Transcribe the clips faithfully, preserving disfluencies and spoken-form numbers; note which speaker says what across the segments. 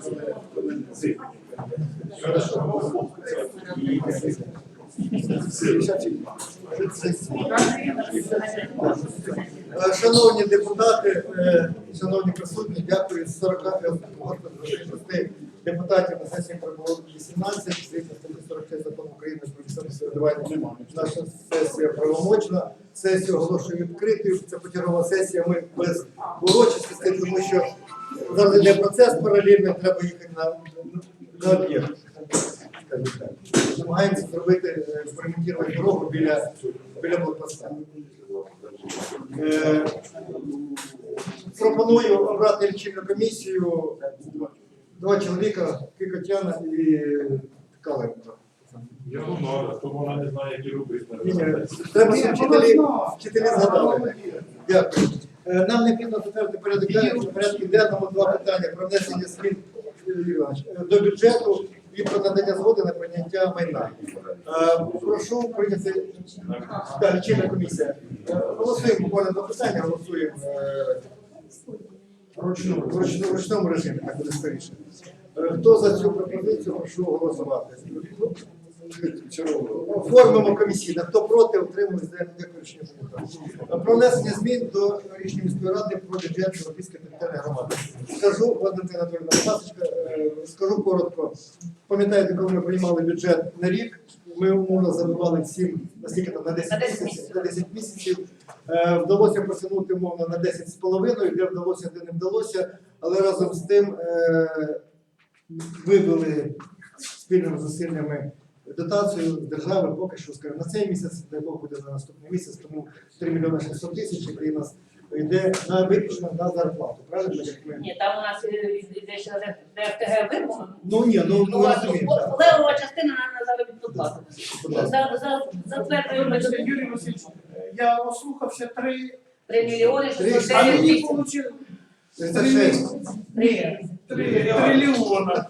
Speaker 1: Шановні депутати, шановні присутні, дякую. з сорока шести депутатів на сесії прибуло вісімнадцять, згідно статті сорок шість закону України про місцеве самоврядування. Наша сесія правомочна. Сесію оголошую відкритою. Це почергова сесія. Ми без урочистостей, тому що зараз йде процес паралельно, треба їхати на, на об'єкт. Намагаємося зробити, експериментувати дорогу біля, біля блокпоста. Е, пропоную обрати лічильну комісію. Два чоловіка, Кикотяна і Каленко.
Speaker 2: Я не знаю, то вона не знає, які робити.
Speaker 1: Треба, щоб вчителі, вчителі згадали. Дякую. Е, нам необхідно затвердити порядок денний, порядку денному два питання про внесення змін до бюджету і про надання згоди на прийняття майна. Е, прошу прийняти да, лічильна комісія. Е, голосуємо буквально два питання, голосуємо е, вручну, вручну, в ручному режимі, так буде скоріше. Е, хто за цю пропозицію, прошу голосувати. Оформимо комісійно. Хто проти, отримує дякую рішення. Про внесення змін до рішення міської ради про бюджет Європейської територіальної громади. Скажу, Валентина Анатолійовна, будь ласка, скажу коротко. Пам'ятаєте, коли ми приймали бюджет на рік, ми умовно забивали всім, наскільки там, на десять місяців, на десять місяців. Вдалося просунути умовно на десять з половиною, де вдалося, де не вдалося, але разом з тим вибили спільними зусиллями дотацію з держави поки що, скажімо, на цей місяць, дай Бог буде на наступний місяць, тому три мільйони шістсот тисяч, який у нас йде на виключно на зарплату, правильно? Як ми...
Speaker 3: Ні, там у нас йде ще ДФТГ вимога.
Speaker 1: Ну ні, ну ми розуміємо.
Speaker 3: Левова частина на заробітну плату. Затверджуємо
Speaker 4: Юрій Васильович, я ослухався три...
Speaker 3: три мільйони шістсот
Speaker 4: А
Speaker 3: дев'ять
Speaker 4: мені
Speaker 3: тисяч.
Speaker 4: вийшло...
Speaker 1: тридцять шість.
Speaker 4: Ні, трильйона.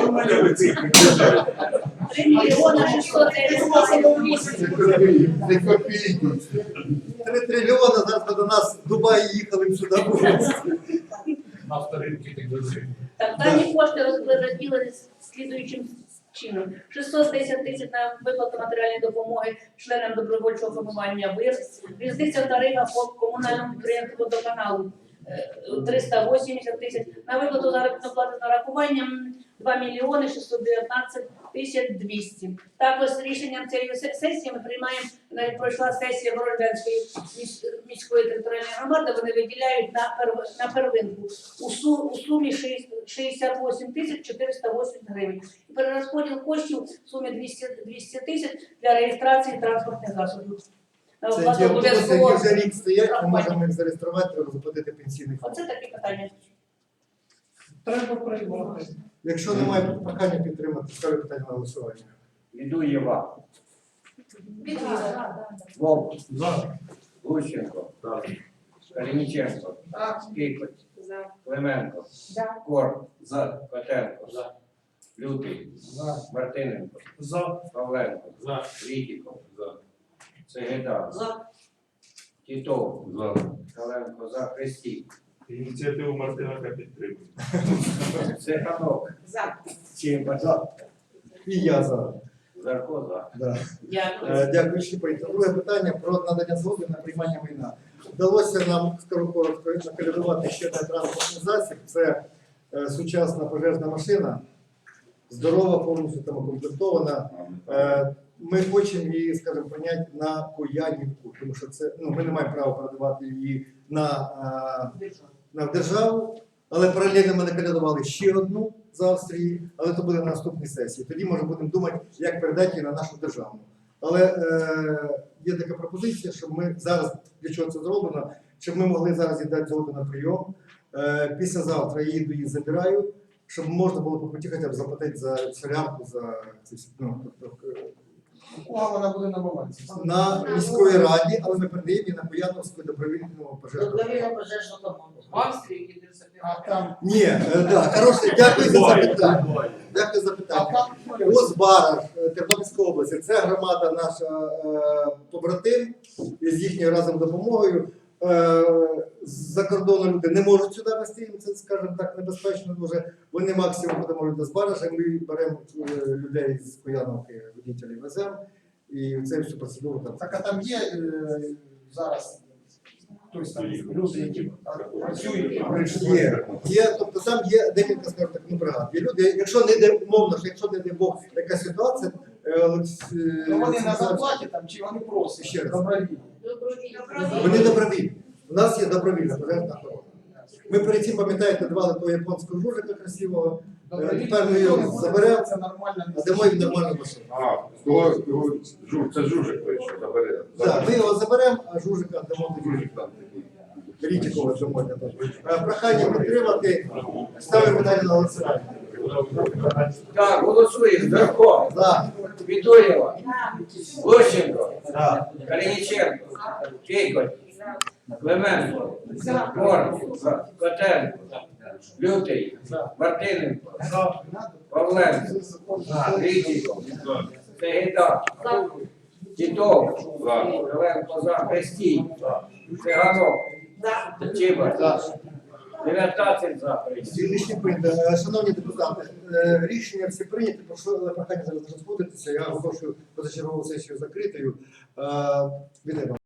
Speaker 3: три мільйони шістсот дев'ять тисяч.
Speaker 1: Три трильйони, зараз до нас в Дубаї їхали сюди.
Speaker 2: На вторинки так дуже.
Speaker 3: Так, дані кошти розділені слідуючим чином. шістсот десять тисяч на виплату матеріальної допомоги членам добровольчого формування ВИР. Різниця тарифа по комунальному підприємству водоканалу триста вісімдесят тисяч. На виплату заробітної плати з нарахуванням два мільйони шістсот дев'ятнадцять тисяч двісті. Також з рішенням цієї сесії ми приймаємо, навіть пройшла сесія Бородянської міської територіальної громади, вони виділяють на, перв... на первинку у, су... у сумі шістдесят вісім тисяч чотириста вісім гривень. І перерозподіл коштів в сумі двісті тисяч для реєстрації транспортних засобів.
Speaker 1: Це ті автобуси, які вже рік стоять, ми можемо їх зареєструвати, треба заплатити пенсійний фонд.
Speaker 3: Оце такі питання.
Speaker 4: Треба приймати.
Speaker 1: Якщо немає прохання підтримати, ставлю питання на голосування.
Speaker 5: Відуєва. Вовк. Гущенко. Калініченко. Кикоть. Клименко. Кор. Котенко. Лютий. Мартиненко. Павленко. Вітіков. Цегеда. Тітов. Каленко. За. Христій.
Speaker 2: Ініціативу Мартиненка підтримує.
Speaker 5: Цеханок. Чимба. За.
Speaker 1: І я за.
Speaker 5: Зарко. За.
Speaker 1: Да.
Speaker 3: Дякую.
Speaker 1: Е, Дякую, що прийняли. Друге питання про надання згоди на приймання майна. Вдалося нам, скажу коротко, накалядувати ще один транспортний засіб. Це е, сучасна пожежна машина, здорова, повністю там укомплектована. Е, ми хочемо її, скажімо, прийняти на Куянівку, тому що це, ну, ми не маємо права передавати її на, е, на державу, але паралельно ми накалядували ще одну з Австрії, але це буде на наступній сесії. Тоді, може, будемо думати, як передати її на нашу державну. Але е, є така пропозиція, щоб ми зараз, для чого це зроблено, щоб ми могли зараз їй дати згоду на прийом. Е, післязавтра я їду, її забираю, щоб можна було по путі хоча б заплатити за солярку, за ці, ну, тобто,
Speaker 4: А вона буде на балансі.
Speaker 1: на міської раді, але ми передаємо її на Бояновську добровільну пожежну.
Speaker 3: Добровільну пожежну команду.
Speaker 4: В Австрії їде собирати. А там...
Speaker 1: Ні, е, да, хороше, дякую за запитання. Дякую за питання. Озбара, Тернопільська область, це громада наша е, побратим, з їхньою разом допомогою. Е, з-за кордону люди не можуть сюди вести, їм це, скажімо так, небезпечно дуже. Вони максимум будемо люди з Баража, ми беремо е, людей з Куяновки, водителів веземо, і це всю процедуру там.
Speaker 4: Так, а там є е, зараз хтось там люди, які працюють.
Speaker 1: Є, є, тобто там є декілька, скажімо так, ну, бригад. Є люди, якщо не йде, умовно, що якщо не йде Бог, така ситуація, е, Олекс- е,
Speaker 4: Ну вони на
Speaker 1: Олександр-
Speaker 4: зарплаті там чи вони просять
Speaker 1: Ще раз.
Speaker 4: добровільно?
Speaker 1: Вони добровільні. У нас є добровільна пожежна охорона. Ми перед цим, пам'ятаєте, давали того японського жужика красивого, е, тепер ми його заберемо,
Speaker 4: Це нормально.
Speaker 1: а дамо їм нормальну машину.
Speaker 6: А, того, того, жук, це жужик той, що забере.
Speaker 1: Так, ми його заберемо, а жужика дамо тоді.
Speaker 6: Жужик там такий.
Speaker 1: Рітікова дамо. Е, Прохання підтримати, ставимо питання на голосування.
Speaker 5: Так, голосуємо. Здарко,
Speaker 1: За.
Speaker 5: Вітурєва, Лущенко, Калініченко, Кейкоть, Клименко, Корм, Котенко, Лютий, Мартиненко, Павленко, Річіков, Сегіда, Тітов, Зеленко за, Хрестій, Циганок, Чіба, дев'ятнадцять за.
Speaker 1: Рішення прийнято. Е, Шановні депутати, е, рішення всі прийняті, прошу але прохання зараз розходитися. Я оголошую позачергову сесію закритою. Е, Вітаю.